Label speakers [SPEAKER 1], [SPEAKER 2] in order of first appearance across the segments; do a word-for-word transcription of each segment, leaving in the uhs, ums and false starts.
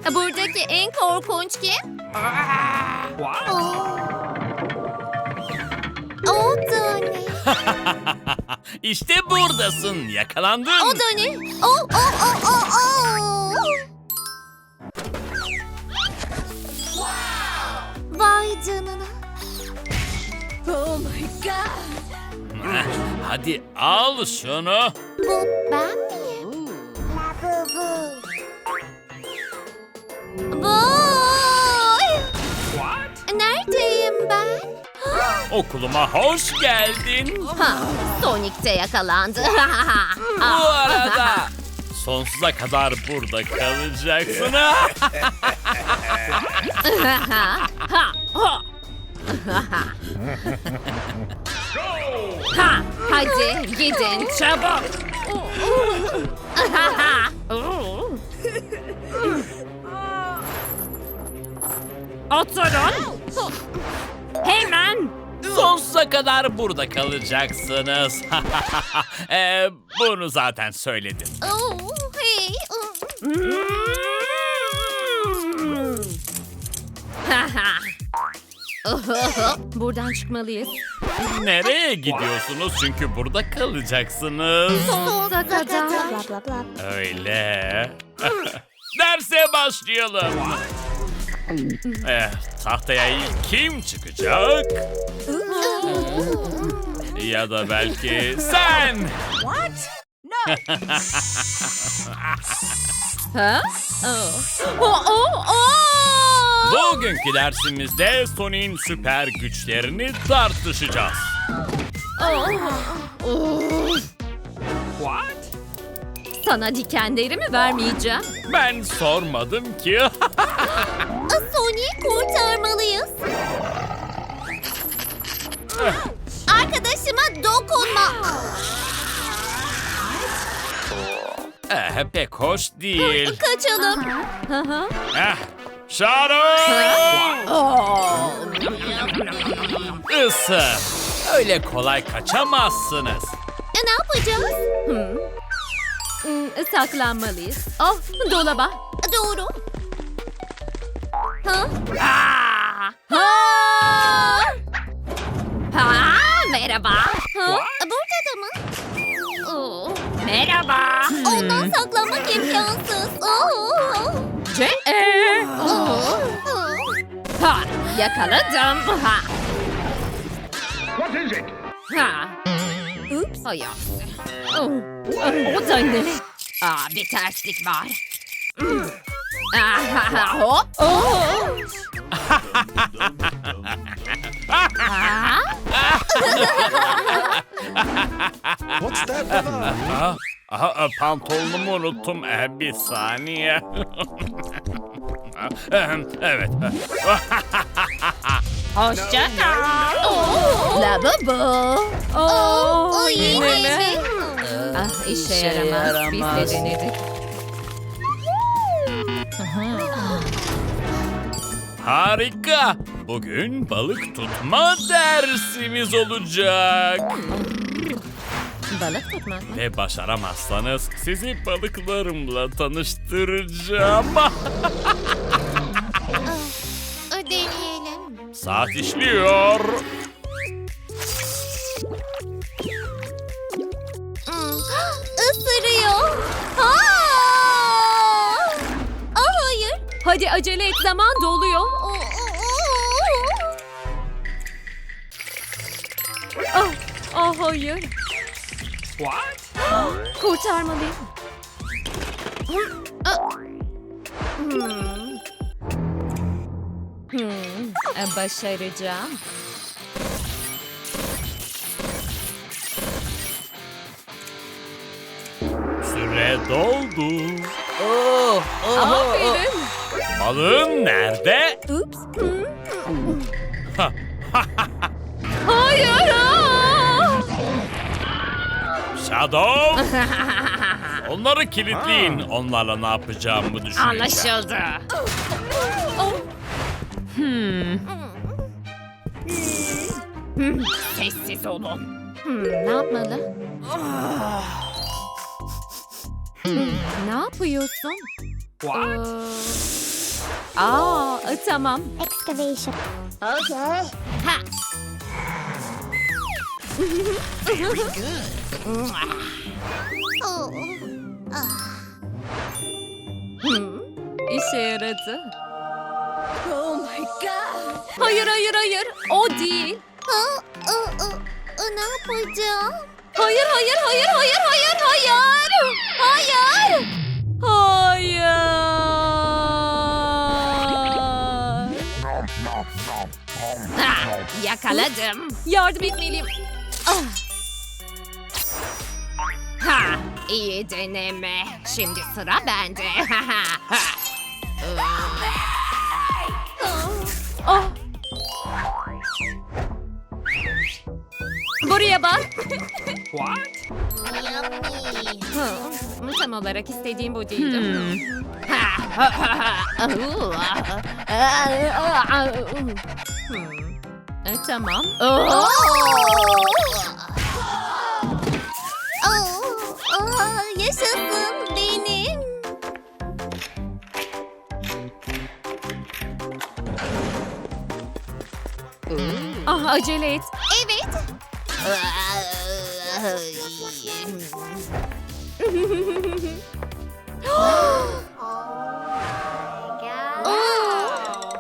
[SPEAKER 1] Buradaki en korkunç kim? O da ne?
[SPEAKER 2] İşte buradasın. Yakalandın.
[SPEAKER 1] O da ne? O, o, o, o, o. Vay canına. Oh my god.
[SPEAKER 2] Heh, Hadi al şunu.
[SPEAKER 1] Bu ben miyim? Vay! Neredeyim ben?
[SPEAKER 2] Okuluma hoş geldin.
[SPEAKER 1] Ha, Sonic de yakalandı.
[SPEAKER 2] Bu arada sonsuza kadar burada kalacaksın.
[SPEAKER 1] Ha, hadi gidin çabuk.
[SPEAKER 3] Oturun. Hemen.
[SPEAKER 2] Sonsuza kadar burada kalacaksınız. Ee, bunu zaten söyledim.
[SPEAKER 1] Oh, hey. Buradan çıkmalıyız.
[SPEAKER 2] Nereye gidiyorsunuz? Çünkü burada kalacaksınız.
[SPEAKER 1] Sonsuza kadar.
[SPEAKER 2] Öyle. Derse başlayalım. Eh, tahtaya ilk kim çıkacak? Ya da belki sen.
[SPEAKER 1] Ha? Oh. Oh, oh, oh!
[SPEAKER 2] Bugünkü dersimizde Sonic'in süper güçlerini tartışacağız.
[SPEAKER 1] Sana dikenlerimi vermeyeceğim.
[SPEAKER 2] Ben sormadım ki.
[SPEAKER 1] Sonic'i kurtarmalıyız. Arkadaşıma dokunma.
[SPEAKER 2] Eh, pek hoş değil.
[SPEAKER 1] Kaçalım.
[SPEAKER 2] Eh, Shadow! Isır. Öyle kolay kaçamazsınız.
[SPEAKER 1] E, ne yapacağız? Hmm. Hmm, saklanmalıyız. Oh, dolaba. Doğru. Ha?
[SPEAKER 3] Aa,
[SPEAKER 1] Ha! Ha, merhaba. Ha? Burada da mı? Oh.
[SPEAKER 3] merhaba.
[SPEAKER 1] Ondan saklanmak imkansız. Oh.
[SPEAKER 3] C E.
[SPEAKER 1] Oh.
[SPEAKER 3] Ha, yakaladım. Ha.
[SPEAKER 4] What is it?
[SPEAKER 3] Ha.
[SPEAKER 1] Ups.
[SPEAKER 3] Hay aksi. Oh, o da ne? Aa, bir terslik var. Hmm. Ah, hop.
[SPEAKER 1] Oh.
[SPEAKER 3] Ha?
[SPEAKER 4] What's that about?
[SPEAKER 2] Ah, aha, pantolonumu unuttum. Eh, bir saniye. Ehem, evet.
[SPEAKER 3] Hoşça kal.
[SPEAKER 1] Oh.
[SPEAKER 3] Lavabo.
[SPEAKER 1] Oh. O
[SPEAKER 3] yine
[SPEAKER 1] yine
[SPEAKER 3] mi?
[SPEAKER 1] mi?
[SPEAKER 3] Ah, işe yaramaz. Biz de denedik.
[SPEAKER 2] Harika. Bugün balık tutma dersimiz olacak.
[SPEAKER 1] Balık tutmak mı?
[SPEAKER 2] Ve başaramazsanız sizi balıklarımla tanıştıracağım.
[SPEAKER 1] Deneyelim.
[SPEAKER 2] Saat işliyor.
[SPEAKER 1] Hmm. Isırıyor. Ha! Ah, hayır.
[SPEAKER 3] Hadi acele et, zaman doluyor.
[SPEAKER 1] Oh,
[SPEAKER 3] Ah, ah hayır. Kurtarmalıyım. Hmm. Hmm, e, başaracağım.
[SPEAKER 2] Süre doldu.
[SPEAKER 3] Aferin.
[SPEAKER 2] Balığın nerede?
[SPEAKER 1] Ups.
[SPEAKER 3] Hayır. ah!
[SPEAKER 2] Shadow. Onları kilitleyin. Onlarla ne yapacağımı düşüneceğim.
[SPEAKER 3] Anlaşıldı. Hmm. Hmm, Sessiz olun.
[SPEAKER 1] Hmm, ne yapmalı?
[SPEAKER 3] Hmm,
[SPEAKER 1] Ne yapıyorsun?
[SPEAKER 3] What? Aa, tamam.
[SPEAKER 1] Excavation.
[SPEAKER 5] Okay.
[SPEAKER 1] Ha. Oh.
[SPEAKER 3] Hmm, işe yaradı. Oh my god. Hayır, hayır, hayır. O değil.
[SPEAKER 1] Ha, ı, ı, ı, ne yapacağım?
[SPEAKER 3] Hayır, hayır, hayır, hayır, hayır, hayır.
[SPEAKER 1] Hayır.
[SPEAKER 3] Hayır.
[SPEAKER 5] Ha, yakaladım.
[SPEAKER 3] Yardım etmeliyim.
[SPEAKER 5] Ah. Ha, iyi deneme. Şimdi sıra bende.
[SPEAKER 3] Ah. Buraya bak.
[SPEAKER 2] What?
[SPEAKER 1] Yummy.
[SPEAKER 3] Hı, tam olarak istediğim bu değildi. Hmm. E, tamam.
[SPEAKER 1] Oh. Oh. Oh. Yaşasın benim.
[SPEAKER 3] Ah, acele et.
[SPEAKER 1] Evet. Oh.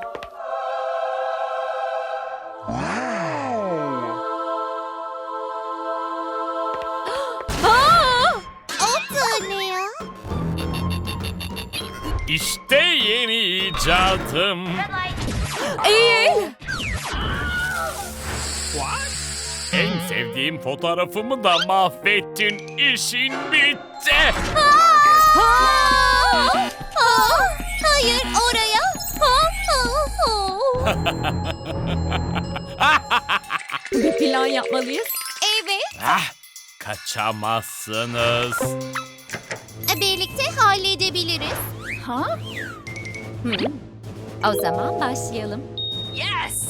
[SPEAKER 3] Aa!
[SPEAKER 1] O da ne ya?
[SPEAKER 2] İşte yeni icadım.
[SPEAKER 3] Eğil.
[SPEAKER 2] En sevdiğim fotoğrafımı da mahvettin. İşin bitti.
[SPEAKER 3] Ha!
[SPEAKER 1] Aa, hayır oraya. Ha, ha, ha.
[SPEAKER 3] Bir plan yapmalıyız.
[SPEAKER 1] Evet.
[SPEAKER 2] Ah, kaçamazsınız.
[SPEAKER 1] Birlikte halledebiliriz.
[SPEAKER 3] Ha? Hmm. O zaman başlayalım.
[SPEAKER 5] Yes.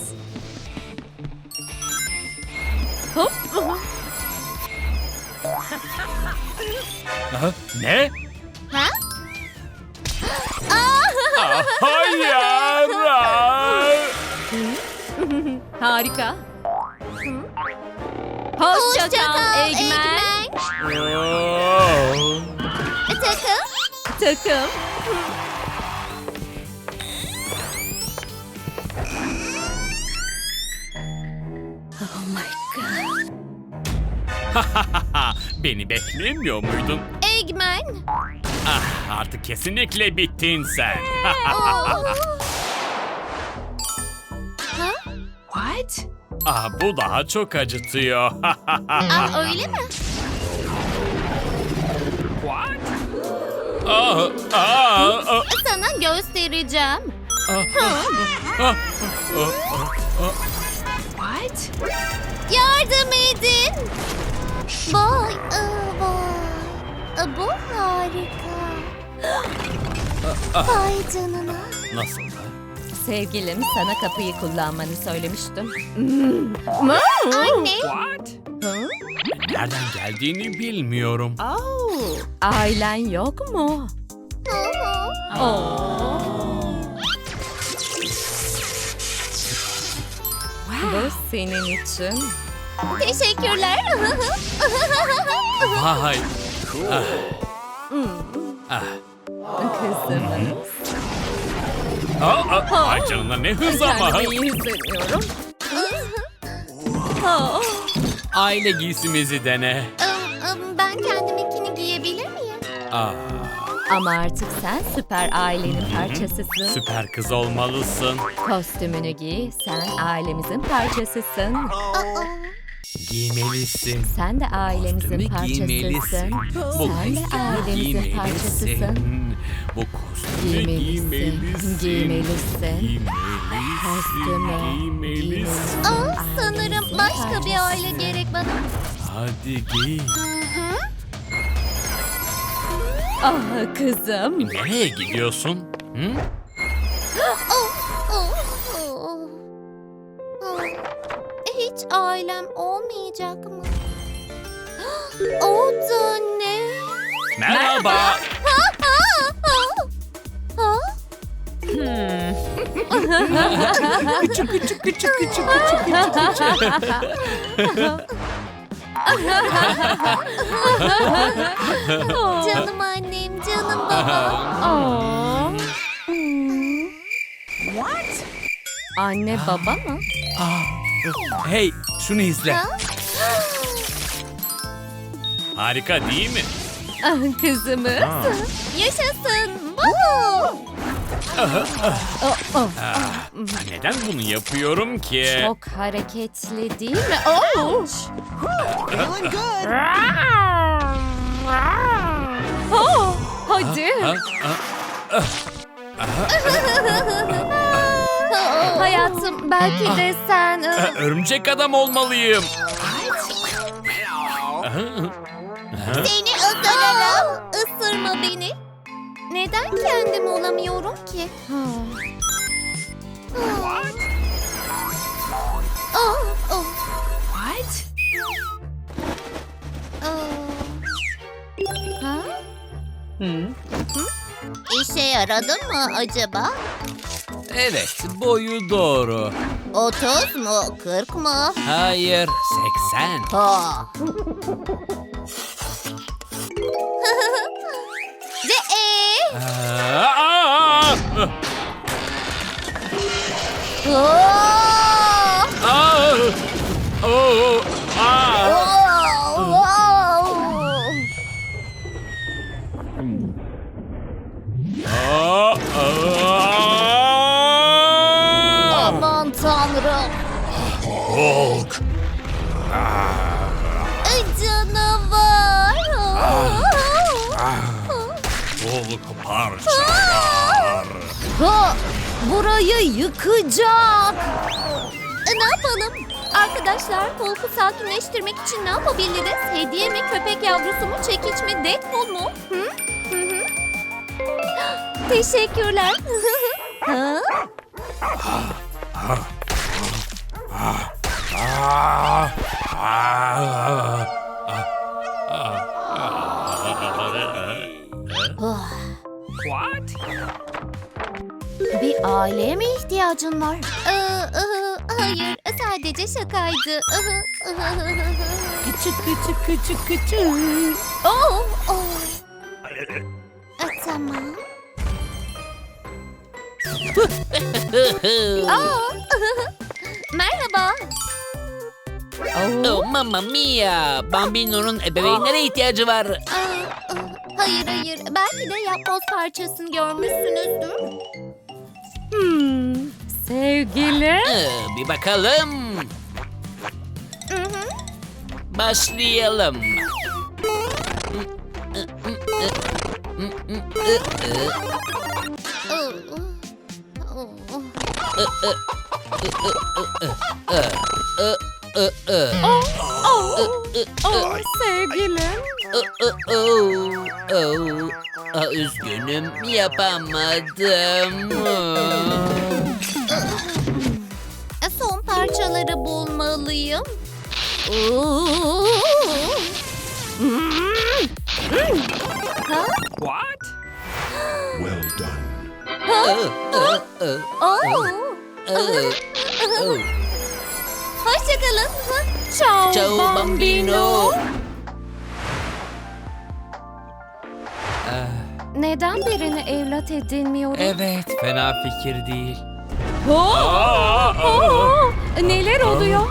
[SPEAKER 3] Hop.
[SPEAKER 2] Ha, ne?
[SPEAKER 1] Ha? Aa,
[SPEAKER 2] Ah, hayır. Ah.
[SPEAKER 3] Harika. Hoşça
[SPEAKER 1] hoşça
[SPEAKER 3] kal
[SPEAKER 1] kal
[SPEAKER 3] Eggman.
[SPEAKER 1] Eggman.
[SPEAKER 2] Oh.
[SPEAKER 1] Takım.
[SPEAKER 3] Takım. Oh my god.
[SPEAKER 2] Beni beklemiyor muydun?
[SPEAKER 1] Eggman.
[SPEAKER 2] Ah, artık kesinlikle bittin sen.
[SPEAKER 1] Oo. Ha?
[SPEAKER 3] What?
[SPEAKER 2] Ah, bu daha çok acıtıyor.
[SPEAKER 1] Aa, öyle mi?
[SPEAKER 2] Ah, ah, ah,
[SPEAKER 1] Sana göstereceğim.
[SPEAKER 2] ah.
[SPEAKER 3] What?
[SPEAKER 1] Yardım edin. Vay, aa, vay. Aa, bu harika. Vay canına.
[SPEAKER 2] Nasıl da?
[SPEAKER 3] Sevgilim sana kapıyı kullanmanı söylemiştim.
[SPEAKER 1] Anne.
[SPEAKER 3] Hı?
[SPEAKER 2] Nereden geldiğini bilmiyorum.
[SPEAKER 3] Oh. Ailen yok mu?
[SPEAKER 1] Hı hı.
[SPEAKER 3] Oh. Bu senin için.
[SPEAKER 1] Teşekkürler.
[SPEAKER 2] Vay. Ah,
[SPEAKER 3] Hmm.
[SPEAKER 2] ah.
[SPEAKER 3] Kızımın.
[SPEAKER 2] Ah, ah. Ay canına ne hız ama.
[SPEAKER 3] Kendimi iyi hissediyorum. Oh.
[SPEAKER 2] Aile giysimizi dene.
[SPEAKER 1] Im, ım, Ben kendiminkini giyebilir miyim?
[SPEAKER 2] Ah,
[SPEAKER 3] Ama artık sen süper ailenin parçasısın.
[SPEAKER 2] süper kız olmalısın.
[SPEAKER 3] Kostümünü giy, sen ailemizin parçasısın.
[SPEAKER 1] Aa,
[SPEAKER 2] Giymelisin.
[SPEAKER 3] Sen de ailemizin
[SPEAKER 2] Kostümü
[SPEAKER 3] parçasısın.
[SPEAKER 2] giymelisin. Bu
[SPEAKER 3] Sen de
[SPEAKER 2] kostümü
[SPEAKER 3] ailemizin parçasısın.
[SPEAKER 2] giymelisin. Bu kostümü
[SPEAKER 3] Giymelisin,
[SPEAKER 2] giymelisin.
[SPEAKER 3] giymelisin.
[SPEAKER 2] Giymelisin.
[SPEAKER 3] Kostümü
[SPEAKER 2] Giymelisin.
[SPEAKER 3] giymelisin.
[SPEAKER 1] aa, sanırım başka bir aile
[SPEAKER 3] parçasısın.
[SPEAKER 1] gerek bana.
[SPEAKER 2] Hadi giy.
[SPEAKER 3] Ah kızım.
[SPEAKER 2] Nereye gidiyorsun? Hı?
[SPEAKER 1] Oh, oh, oh. Oh. Hiç ailem olmayacak mı? O da ne?
[SPEAKER 2] Merhaba.
[SPEAKER 1] Ha, ha, ha.
[SPEAKER 2] Küçük küçük küçük küçük küçük küçük.
[SPEAKER 1] Canım annem, canım babam.
[SPEAKER 3] Aa. Anne baba mı?
[SPEAKER 2] Hey, şunu izle.
[SPEAKER 1] Ha?
[SPEAKER 2] Harika değil mi?
[SPEAKER 3] Ah, kızımız.
[SPEAKER 1] Yaşasın. Woohoo!
[SPEAKER 3] Oh, oh.
[SPEAKER 2] Neden bunu yapıyorum ki?
[SPEAKER 3] Çok hareketli değil mi? Oh.
[SPEAKER 4] Feeling good.
[SPEAKER 3] Oh, hadi.
[SPEAKER 2] Ha? Ha?
[SPEAKER 3] Hayatım belki de sen... e,
[SPEAKER 2] Örümcek adam olmalıyım.
[SPEAKER 1] Seni ısırırım. Isırma beni. Neden kendim olamıyorum ki? Oh, oh.
[SPEAKER 3] What?
[SPEAKER 1] Oh.
[SPEAKER 3] Ha?
[SPEAKER 1] İşe yaradı mı acaba?
[SPEAKER 2] Evet, boyu doğru.
[SPEAKER 1] otuz mu? kırk mı?
[SPEAKER 2] Hayır, seksen.
[SPEAKER 1] Ha. Ve e.
[SPEAKER 2] Aa, aa,
[SPEAKER 1] Oh.
[SPEAKER 2] aa, oo, aa.
[SPEAKER 1] Oh.
[SPEAKER 2] Aa, aa.
[SPEAKER 1] Aman tanrım.
[SPEAKER 2] Hulk.
[SPEAKER 1] Ay, canavar.
[SPEAKER 2] Hulk parçalar.
[SPEAKER 1] Ha, burayı yıkacak. E, ne yapalım? Arkadaşlar, Hulk'u sakinleştirmek için ne yapabiliriz? Hediye mi, köpek yavrusu mu, çekiç mi, Deadpool mu? Hı? Hı hı. Teşekkürler. Ha?
[SPEAKER 2] What?
[SPEAKER 1] Bir aileye mi ihtiyacın var? Ee, ıhı, hayır, sadece şakaydı. Ihı, ıhı, ıhı.
[SPEAKER 3] Küçük küçük küçük küçük.
[SPEAKER 1] Oh, oh. E, tamam. Aa, merhaba.
[SPEAKER 3] Oh.
[SPEAKER 6] Oh mamma mia! Bambino'nun ebeveynlere ihtiyacı var.
[SPEAKER 1] Aa, aa, hayır hayır, belki de yapboz parçasını görmüşsünüzdür.
[SPEAKER 3] Hmm, sevgili.
[SPEAKER 6] Ee, bir bakalım.
[SPEAKER 1] Hı hı.
[SPEAKER 6] Başlayalım.
[SPEAKER 1] Aa, aa,
[SPEAKER 3] Oh, oh, oh, sevgilim.
[SPEAKER 6] Oh, oh, oh. Aa, üzgünüm, yapamadım.
[SPEAKER 1] aa. Son parçaları bulmalıyım. Oo. Ha?
[SPEAKER 2] What?
[SPEAKER 4] Well done.
[SPEAKER 6] Oh, oh, oh,
[SPEAKER 1] Oo.
[SPEAKER 6] oh, oh.
[SPEAKER 1] Hoşçakalın.
[SPEAKER 3] Ciao,
[SPEAKER 6] Ciao, bambino.
[SPEAKER 3] Neden birini evlat edinmiyoruz?
[SPEAKER 2] Evet, fena fikir değil.
[SPEAKER 3] Oh,
[SPEAKER 2] Aa,
[SPEAKER 3] oh, neler oluyor?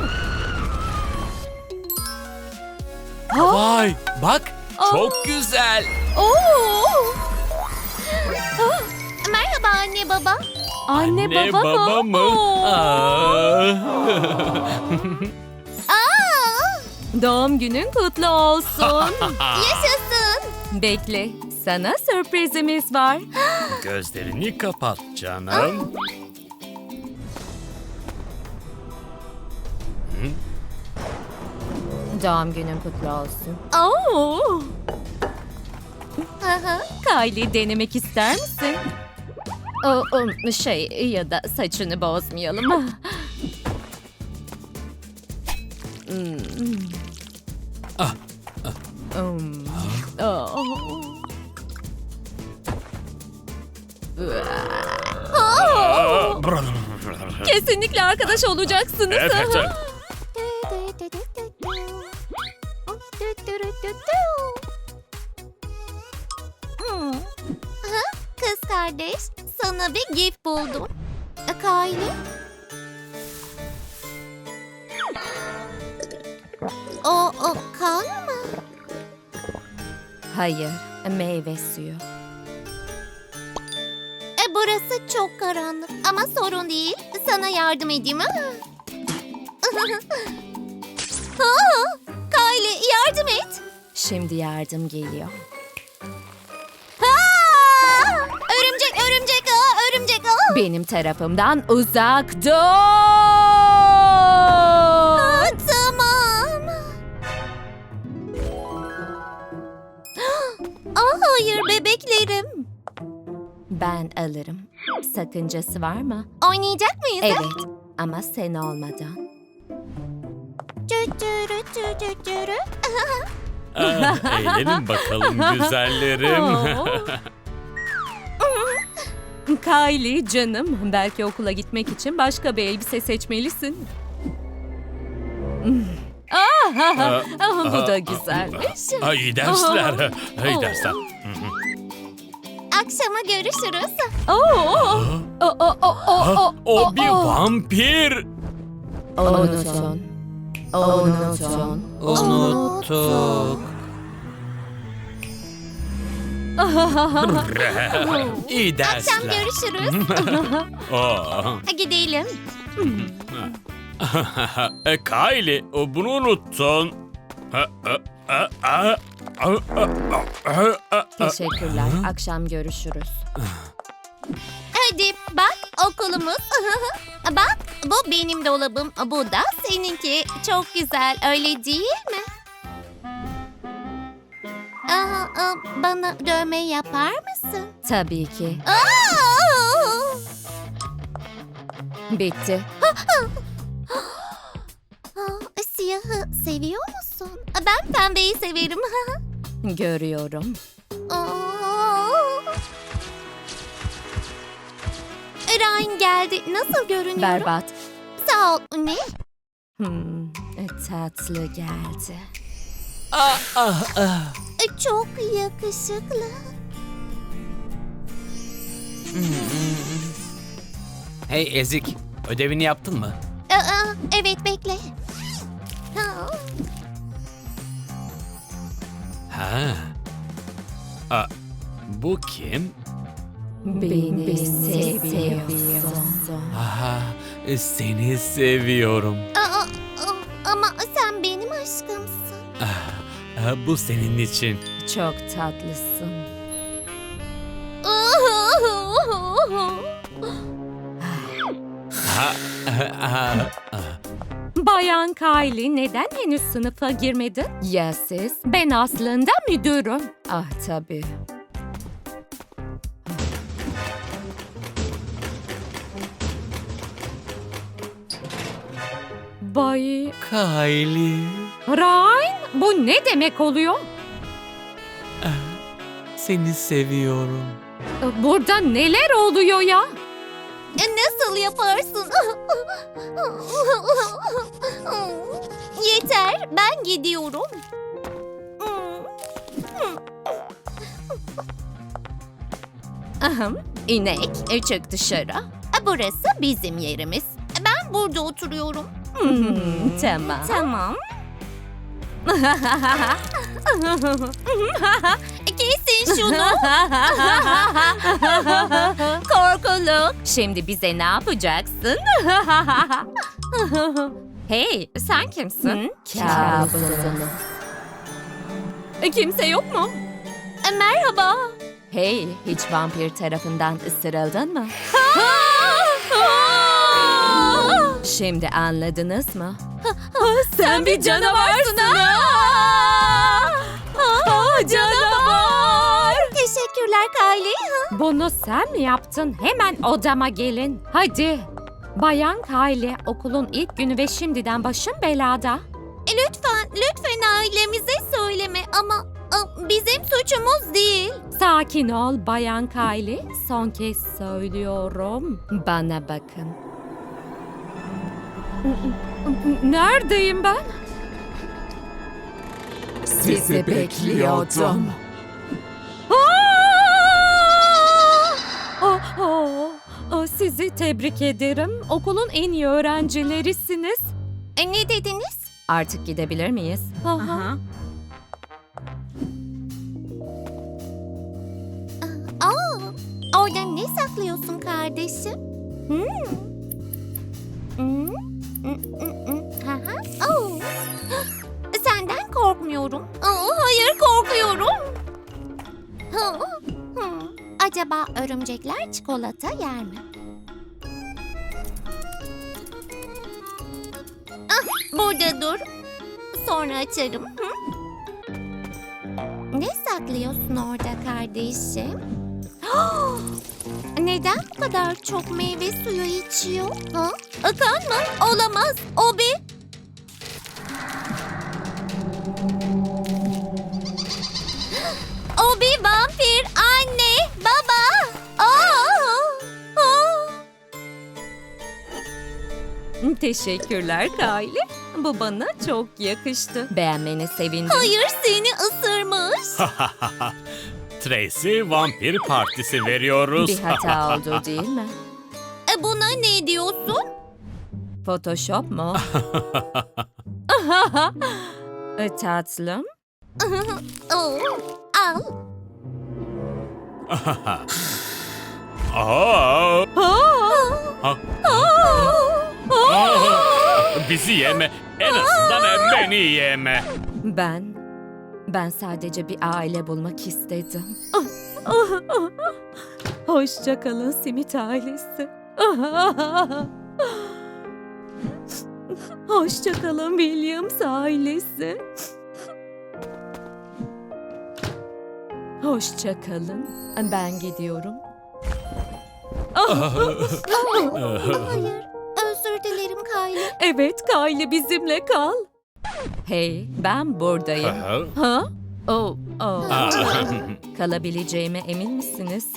[SPEAKER 3] Oh,
[SPEAKER 2] Vay, bak,
[SPEAKER 3] Aa.
[SPEAKER 2] çok güzel.
[SPEAKER 3] oh.
[SPEAKER 1] Merhaba anne baba.
[SPEAKER 3] Anne,
[SPEAKER 2] Ne
[SPEAKER 3] baba,
[SPEAKER 2] baba mı?
[SPEAKER 3] Oh.
[SPEAKER 2] Aa.
[SPEAKER 1] Aa,
[SPEAKER 3] Doğum günün kutlu olsun.
[SPEAKER 1] yaşasın.
[SPEAKER 3] Bekle, sana sürprizimiz var.
[SPEAKER 2] Gözlerini kapat canım.
[SPEAKER 3] Doğum günün kutlu olsun. Oo.
[SPEAKER 1] Aha.
[SPEAKER 3] Kylie, denemek ister misin? O, o, şey ya da saçını bozmayalım. Hmm.
[SPEAKER 2] Ah,
[SPEAKER 3] Hmm. Oh.
[SPEAKER 1] Oh.
[SPEAKER 3] Kesinlikle arkadaş olacaksınız.
[SPEAKER 2] Evet.
[SPEAKER 1] Hmm. Aha, kız kardeş, sana bir gift buldum. E, Kylie? O, o kan mı?
[SPEAKER 3] Hayır, meyve suyu.
[SPEAKER 1] E, burası çok karanlık ama sorun değil. Sana yardım edeyim ha? Aa, Kylie yardım et.
[SPEAKER 3] Şimdi yardım geliyor.
[SPEAKER 1] Aa! Örümcek, örümcek ağa, örümcek ağa.
[SPEAKER 3] Benim tarafımdan uzak dur!
[SPEAKER 1] Aa, tamam. Aa, hayır bebeklerim.
[SPEAKER 3] Ben alırım. Sakıncası var mı?
[SPEAKER 1] Oynayacak mıyız? ha?
[SPEAKER 3] Evet, ama sen olmadan.
[SPEAKER 1] Tütürü tütürü.
[SPEAKER 2] Ah, eğlenin bakalım güzellerim.
[SPEAKER 3] Kylie canım, belki okula gitmek için başka bir elbise seçmelisin. Ah, ah, ah, bu da güzelmiş.
[SPEAKER 2] Ay, iyi dersler. İyi dersler.
[SPEAKER 1] Akşama görüşürüz.
[SPEAKER 3] Oo, oo, oo, oo, oo, oo,
[SPEAKER 2] O bir
[SPEAKER 3] oo.
[SPEAKER 2] vampir.
[SPEAKER 3] Unutun. Unutun.
[SPEAKER 6] Unuttuk.
[SPEAKER 2] İyi
[SPEAKER 1] Akşam
[SPEAKER 2] dersler.
[SPEAKER 1] görüşürüz.
[SPEAKER 2] Aa.
[SPEAKER 1] Gidelim.
[SPEAKER 2] E, Kylie, o bunu unuttun. Ha, ha, ha, ha, ha, ha, ha, ha.
[SPEAKER 3] Teşekkürler. Akşam görüşürüz.
[SPEAKER 1] Hadi bak okulumuz. Bak bu benim dolabım. Bu da seninki. Çok güzel öyle değil mi? Aa, aa, bana dövme yapar mısın?
[SPEAKER 3] Tabii ki.
[SPEAKER 1] Aa!
[SPEAKER 3] Bitti.
[SPEAKER 1] Aa, siyahı seviyor musun? Ben pembeyi severim.
[SPEAKER 3] Görüyorum.
[SPEAKER 1] Aa! Ryan geldi. Nasıl görünüyor?
[SPEAKER 3] Berbat.
[SPEAKER 1] Sağ ol. Ne?
[SPEAKER 3] Hmm, tatlı geldi.
[SPEAKER 6] Ah, ah, ah.
[SPEAKER 1] Çok yakışıklı.
[SPEAKER 6] Hey Ezik, ödevini yaptın mı?
[SPEAKER 1] Aa, evet bekle. Ha.
[SPEAKER 2] Ha. Aa, bu kim?
[SPEAKER 3] Beni seviyorsun.
[SPEAKER 2] Aha, seni seviyorum.
[SPEAKER 1] Aa, aa, ama sen benim aşkımsın.
[SPEAKER 2] Ah, bu senin için.
[SPEAKER 3] Çok tatlısın.
[SPEAKER 2] Ha, ah, ah.
[SPEAKER 3] Bayan Kylie neden henüz sınıfa girmedin? Ya siz? Ben aslında müdürüm. Ah tabii. Bay
[SPEAKER 2] Kylie,
[SPEAKER 3] Ryan, bu ne demek oluyor?
[SPEAKER 2] seni seviyorum.
[SPEAKER 3] Burada neler oluyor ya?
[SPEAKER 1] Nasıl yaparsın? Yeter, ben gidiyorum.
[SPEAKER 3] Ahem, inek, e, çık dışarı.
[SPEAKER 1] Burası bizim yerimiz. Ben burada oturuyorum.
[SPEAKER 3] Hmm, tamam.
[SPEAKER 1] Tamam. Kesin şunu.
[SPEAKER 3] Korkuluk. Şimdi bize ne yapacaksın? Hey, sen kimsin? Kabusum. Kimse yok mu?
[SPEAKER 1] E, Merhaba.
[SPEAKER 3] Hey, hiç vampir tarafından ısırıldın mı? Şimdi anladınız mı? Sen bir canavarsın. Canavar!
[SPEAKER 1] Teşekkürler Kylie.
[SPEAKER 3] Bunu sen mi yaptın? Hemen odama gelin. Hadi. Bayan Kylie, okulun ilk günü ve şimdiden başım belada.
[SPEAKER 1] E, Lütfen, lütfen ailemize söyleme ama a, bizim suçumuz değil.
[SPEAKER 3] Sakin ol Bayan Kylie. Son kez söylüyorum. Bana bakın. Neredeyim ben?
[SPEAKER 7] Sizi bekliyordum.
[SPEAKER 3] Oh, oh, oh, sizi tebrik ederim. Okulun en iyi öğrencilerisiniz.
[SPEAKER 1] E, ne dediniz?
[SPEAKER 3] Artık gidebilir miyiz? Aha.
[SPEAKER 1] Aa, orada ne saklıyorsun kardeşim? Hmm. Hmm. Hmm, hmm, hmm. Ha, ha. Oo. Senden korkmuyorum. Aa, hayır korkuyorum. Ha, hmm. Acaba örümcekler çikolata yer mi? Ah, burada dur. Sonra açarım. Hı? Ne saklıyorsun orada kardeşim? Neden bu kadar çok meyve suyu içiyor? Ha? Akan mı? Olamaz. O bir... O bir vampir. Anne, baba. Aa! Aa!
[SPEAKER 3] Teşekkürler Kylie. Bu bana çok yakıştı. Beğenmene sevindim.
[SPEAKER 1] Hayır, seni ısırmış.
[SPEAKER 2] Tracy vampir partisi veriyoruz.
[SPEAKER 3] Bir hata oldu değil mi?
[SPEAKER 1] E, buna ne diyorsun?
[SPEAKER 3] Photoshop mu? E, Tatlım.
[SPEAKER 1] Oo, al.
[SPEAKER 2] Aa,
[SPEAKER 3] Aa!
[SPEAKER 2] aa, bizi yeme. En azından beni yeme.
[SPEAKER 3] Ben, ben sadece bir aile bulmak istedim. Hoşça kalın simit ailesi. Hoşça kalın Williams ailesi. Hoşça kalın. Ben gidiyorum.
[SPEAKER 1] Hayır, özür dilerim Kylie.
[SPEAKER 3] Evet, Kylie bizimle kal. Hey, ben buradayım. Ha? Oh, oh. Kalabileceğime emin misiniz?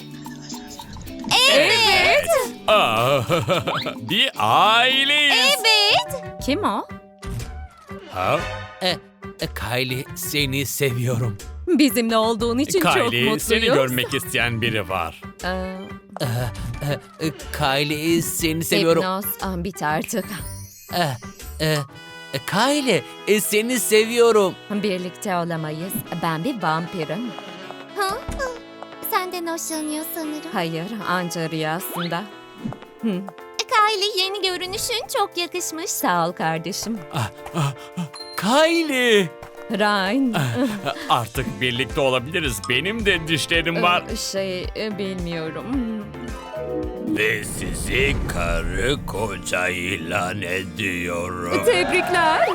[SPEAKER 1] Evet.
[SPEAKER 2] Aa, bir aileyiz.
[SPEAKER 1] Evet.
[SPEAKER 3] Kim o?
[SPEAKER 2] Ha?
[SPEAKER 6] E, e, Kylie seni seviyorum.
[SPEAKER 3] Bizimle olduğun için çok
[SPEAKER 2] Kylie,
[SPEAKER 3] mutluyuz.
[SPEAKER 2] seni görmek isteyen biri var.
[SPEAKER 3] Ee,
[SPEAKER 6] E, e, Kylie seni seviyorum.
[SPEAKER 3] Hipnoz, ah, bit artık.
[SPEAKER 6] E, e, e, Kylie e, seni seviyorum.
[SPEAKER 3] Birlikte olamayız. Ben bir vampirim.
[SPEAKER 1] Ha? Ha. Senden hoşlanıyor sanırım.
[SPEAKER 3] Hayır, anca rüyasında. Hı,
[SPEAKER 1] Kylie, yeni görünüşün çok yakışmış.
[SPEAKER 3] sağ ol kardeşim.
[SPEAKER 6] Kylie.
[SPEAKER 3] Ryan.
[SPEAKER 2] Artık birlikte olabiliriz. Benim de dişlerim var.
[SPEAKER 3] Ee, Şey, e, bilmiyorum.
[SPEAKER 2] Ve sizi karı koca ilan ediyorum.
[SPEAKER 3] Tebrikler.